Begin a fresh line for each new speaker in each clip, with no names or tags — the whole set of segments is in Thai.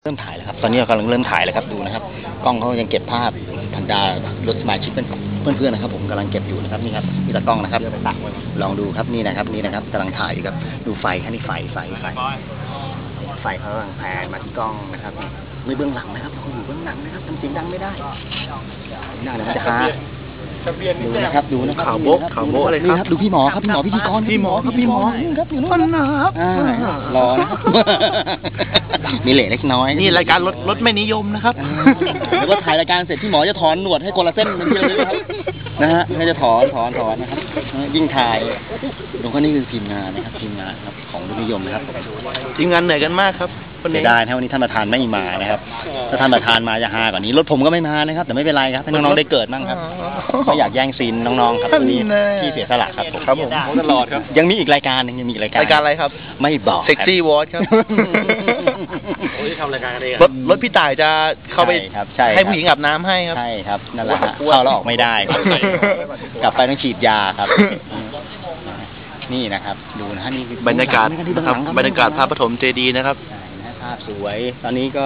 เริ่มถ่ายแล้วครับตอนนี้เรากำลังเริ่มถ่ายแล้วครับดูนะครับกล้องเขายังเก็บภาพบรรดารถสมาชิกเพื่อนๆนะครับผมกำลังเก็บอยู่นะครับนี่ครับมีตากล้องนะครับลองดูครับนี่นะครับกำลังถ่ายอยู่ครับดูไฟครับนี่ไฟเขากำลังแผนมาที่กล้องนะครับไม่เบื้องหลังนะครับเราอยู่เบื้องหลังนะครับทำเสียงดังไม่ได้น่าจะฮาดูนะครับ
ข่าวโบ๊ะเลยครับ
ดูพี่หมอครับพี่หมอพิธีกรพี่หมอครับอยู่นู่นนะครับรอนะครับมีเหล่เล็กน้อย
นี่รายการรถไม่นิยมนะครับ
แล้วก็ถ่ายรายการเสร็จพี่หมอจะถอนหนวดให้คนละเส้นเป็นเดียวเลยครับนะฮะไม่จะถอนนะครับยิ่งถ่ายตรงนี้คือทีมงานนะครับของรถนิยมนะครับ
ทีมงานเหนื่อยกันมากครับ
วันนี้ได้ถ้าวันนี้ท่านประธานไม่มานะครับถ้าท่านประธานมาจะฮากว่านี้รถผมก็ไม่มานะครับแต่ไม่เป็นไรครับให้น้องๆได้เกิดบ้างครับไม่อยากแย่งซีนน้องๆครับวันนี้ที่เสียสละครับผม
ตลอดครับ
ยังมีอีกรายการนึงรายการ
อะไรครับ
ไม่บอก
เซ็กซี่วอทครับทำรายการกันเองรถพี่ต่ายจะเข้าไปให้ผู้หญิงอาบน้ำให้ครับ
ใช่ครับนั่นแหละเข้าแล้วออกไม่ได้กลับไปต้องฉีดยาครับนี่นะครับดูนะฮะนี่
บรรยากาศนะครับบรรยากาศพระปฐมเจดีย์นะครับ
ภาพสวยตอนนี้ก็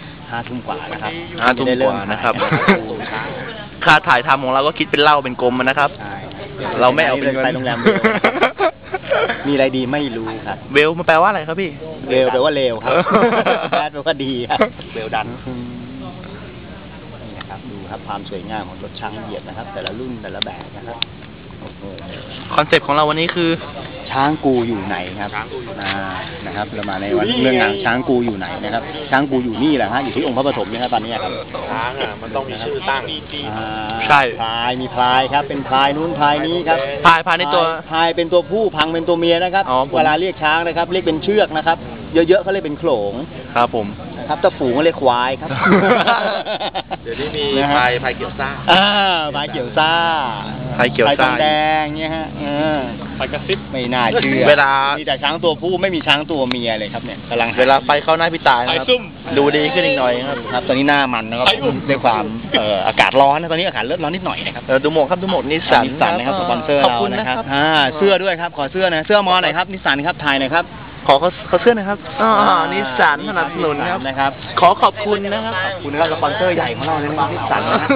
5 ทุ่มกว่านะครับ
5 ทุ่มกว่านะครับค่าถ่ายทำของเราก็คิดเป็นเหล้าเป็นกลมนะครับเราไม่เอาเป็นเงิน
ไปโรงแรมมีอะไรดีไม่รู้ครับ
เวลมันแปลว่าอะไรครับพี่
เวลแปลว่าเลวครับแบดแปลว่าดีครับเวลดันนี่นะครับดูครับความสวยงามของรถช้างเหยียบนะครับแต่ละรุ่นแต่ละแบบนะครับ
คอนเซ็ปต์ของเราวันนี้คือ
ช้างกูอยู่ไหนครับนะครับเรามาในวันเรื่องงานช้างกูอยู่ไหนนะครับช้างกูอยู่นี่แหละฮะอยู่ที่องค์พระปฐมนะครับตอนนี้ครับ
ช้างมันต้องมีชื่อตั้ง
ใช่พลายมีพลายครับเป็นพลายนู้นพลายนี้ครับ
พลายในตัว
พลายเป็นตัวผู้พังเป็นตัวเมียนะครับเวลาเรียกช้างนะครับเรียกเป็นเชือกนะครับเยอะๆเขาเรียกเป็นโขลง
ครับผม
ครับถ้าฝูงก็เรียกควายครับ
เดี๋ยวนี้มีพายเกี่ยวซ่า
พายเกี่ยวซ่า
พายเกี่ยวซ่า
แดงเงี้ยฮะ
พายกระซิบ
ไม่น่าเชื่อ
เวลา
มีแต่ช้างตัวผู้ไม่มีช้างตัวเมียเลยครับเนี่ยกำลัง
เวลาไฟเข้าหน้าพี่ตายนะครับดูดีขึ้นอีกหน่อย
ครับตอนนี้หน้ามันนะครับด้วยความอากาศร้อนนะตอนนี้อากาศเริ่มร้อนนิดหน่อยนะครับ
ดูหมวกครับดูหมวกนิสสัน
นะครับสปอนเซอร์เรานะครับเสื้อด้วยครับขอเสื้อนะเสื้อมอหน่อยครับนิสสันครับถ่ายหน่อยครับ
ขอเสื้อหน่อยครับนิสสันสนับสนุน
นะครับ
ขอขอบคุณนะครับ
ขอบคุณนะครับสปอนเซอร์ใหญ่ของเราเลยนะนิสสันนะครับ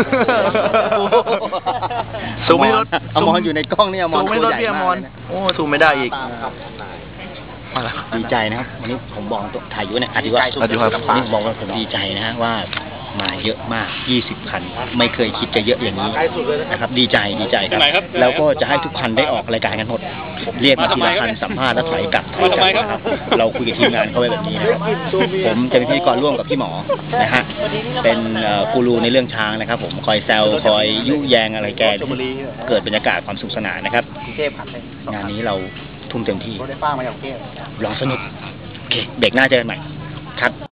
ซูมไม่รถ
อมรอยู่ในกล้องนี่อมร
ซูมไม่รถพี่อมรโอ้ซูมไม่ได้อีก
ดีใจนะครับวันนี้ผมบอกตัวถ่ายอยู่เนี่ยอธิบายนี่บอกว่าผมดีใจนะฮะว่ามาเยอะมาก20 คันไม่เคยคิดจะเยอะอย่างนี้นะครับดีใจครับแล้วก็จะให้ทุกคันได้ออกรายการกันหมดเรียกมาทีละคันสัมภาษณ์แล้วถอยกลับนะครับเราคุยกับทีมงานเขาไว้แบบนี้นะครับผมจะเป็นพิธีกรร่วมกับพี่หมอนะฮะเป็นกูรูในเรื่องช้างนะครับผมคอยแซวคอยยุแยงอะไรแกเกิดบรรยากาศความสุขสนานนะครับงานนี้เราทุ่มเต็มที่ลองสนุกโอเคเบรกหน้าเจอกันใหม่ครับ